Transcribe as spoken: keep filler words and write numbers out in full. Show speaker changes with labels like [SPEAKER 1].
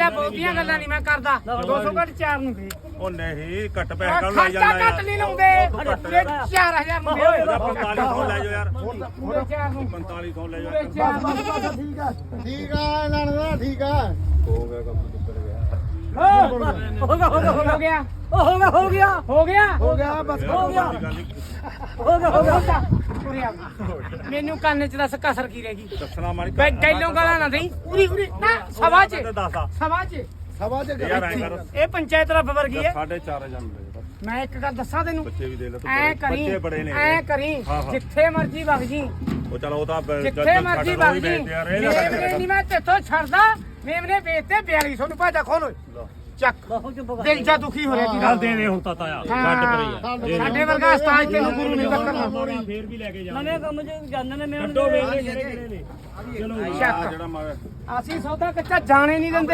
[SPEAKER 1] ਲੈ ਬਹੁਤੀਆਂ ਗੱਲਾਂ ਨਹੀਂ ਮੈਂ ਕਰਦਾ ਦੋ ਸੌ ਘੱਟ ਚਾਰ ਨੂੰ ਦੇ
[SPEAKER 2] ਉਹ ਨਹੀਂ ਘੱਟ ਪੈਸੇ ਕਾਹਨੂੰ ਲਾਈ
[SPEAKER 1] ਖਰਚਾ
[SPEAKER 2] ਜਾਂਦਾ
[SPEAKER 1] ਘੱਟ ਨਹੀਂ ਲਾਉਂਦੇ ਚਾਰ ਹਜ਼ਾਰ ਨੂੰ ਦੇ ਓਏ
[SPEAKER 2] ਪੰਤਾਲੀ ਸੌ ਲੈ ਜਾਓ ਯਾਰ
[SPEAKER 1] ਪੂਰੇ ਚਾਰ ਨੂੰ
[SPEAKER 2] ਪੰਤਾਲੀ ਸੌ ਲੈ
[SPEAKER 1] ਪੂਰੇ
[SPEAKER 2] ਜਾਓ
[SPEAKER 1] ਚਾਰ ਨੂੰ
[SPEAKER 3] ਠੀਕ ਆ ਠੀਕ ਆ ਇਹਨਾਂ ਦਾ ਠੀਕ ਆ
[SPEAKER 2] ਹੋ ਗਿਆ ਕੰਮ ਦੁੱਪਰ ਗਿਆ
[SPEAKER 1] ਹੋ ਗਿਆ ਹੋ ਗਿਆ ਹੋ ਗਿਆ ਹੋ ਗਿਆ ਹੋ ਗਿਆ ਹੋ ਗਿਆ
[SPEAKER 3] ਹੋ ਗਿਆ ਬਸ
[SPEAKER 1] ਹੋ ਗਿਆ ਹੋ ਗਿਆ ਹੋ ਗਿਆ ਪੂਰੀ ਆ ਮੈਨੂੰ ਕੰਨ ਚ ਦੱਸ ਕਸਰ ਕੀ ਰਹਿ ਗਈ
[SPEAKER 2] ਦੱਸਣਾ ਮਾਰੀ
[SPEAKER 1] ਬੈ ਗੈਲੋਂ ਗਾਲਾਂ ਨਾ ਦੇਈ ਪੂਰੀ ਪੂਰੀ ਨਾ ਸਵਾ ਚ
[SPEAKER 2] ਦੱਸ ਆ
[SPEAKER 1] ਸਵਾ ਚ
[SPEAKER 3] ਸਵਾ ਚ
[SPEAKER 2] ਯਾਰ ਐਂ ਕਰ
[SPEAKER 1] ਇਹ ਪੰਚਾਇਤ ਰੱਬ ਵਰਗੀ ਹੈ
[SPEAKER 2] ਸਾਢੇ ਚਾਰ ਹਜ਼ਾਰ ਦੇ ਦੇ
[SPEAKER 1] ਮੈਂ ਇੱਕ ਗੱਲ ਦੱਸਾਂ ਤੈਨੂੰ
[SPEAKER 2] ਬੱਚੇ ਵੀ ਦੇ ਲੈ ਤੂੰ
[SPEAKER 1] ਐ ਕਰੀ
[SPEAKER 2] ਬੱਚੇ ਬੜੇ ਨੇ
[SPEAKER 1] ਐ ਕਰੀ
[SPEAKER 2] ਹਾਂ, ਹਾਂ।
[SPEAKER 1] ਜਿੱਥੇ ਮਰਜੀ ਵਗ ਜੀ
[SPEAKER 2] ਉਹ ਚਲੋ ਉਹ ਤਾਂ
[SPEAKER 1] ਜਿੱਥੇ ਮਰਜੀ ਵਗ ਜੀ ਮੇਮਨੇ ਨਹੀਂ ਮੈਂ ਤੇਥੋਂ ਛੱਡਦਾ ਮੇਮਨੇ ਵੇਚਤੇ ਬਿਆਲੀ ਸੌ ਨੂੰ ਭਾਜਾ ਖੋਲ ਓਏ ਚੱਕ ਦਿਲ ਜਾ ਦੁਖੀ ਹੋ ਰਿਹਾ ਜੀ
[SPEAKER 4] ਚੱਲ ਦੇ ਦੇ ਹੁਣ ਤਾਂ ਤਾਇਆ ਗੱਡ ਪਈ ਆ
[SPEAKER 1] ਸਾਡੇ ਵਰਗਾ ਉਸਤਾਦ ਤੈਨੂੰ ਗੁਰੂ ਨਹੀਂ ਬੱਕਰਨਾ
[SPEAKER 4] ਫੇਰ ਵੀ ਲੈ ਕੇ ਜਾ
[SPEAKER 5] ਨਵੇਂ ਕੰਮ ਚ ਜਾਣਦੇ ਨੇ ਮੈਂ
[SPEAKER 4] ਕੱਢੋ ਵੇਲੇ ਜਿਹੜੇ ਕਿਹੜੇ ਨੇ ਚਲੋ
[SPEAKER 2] ਜਿਹੜਾ ਮਾਰ
[SPEAKER 1] ਅਸੀਂ ਸੌਦਾ ਕੱਚਾ ਜਾਣੇ ਨਹੀਂ ਦਿੰਦੇ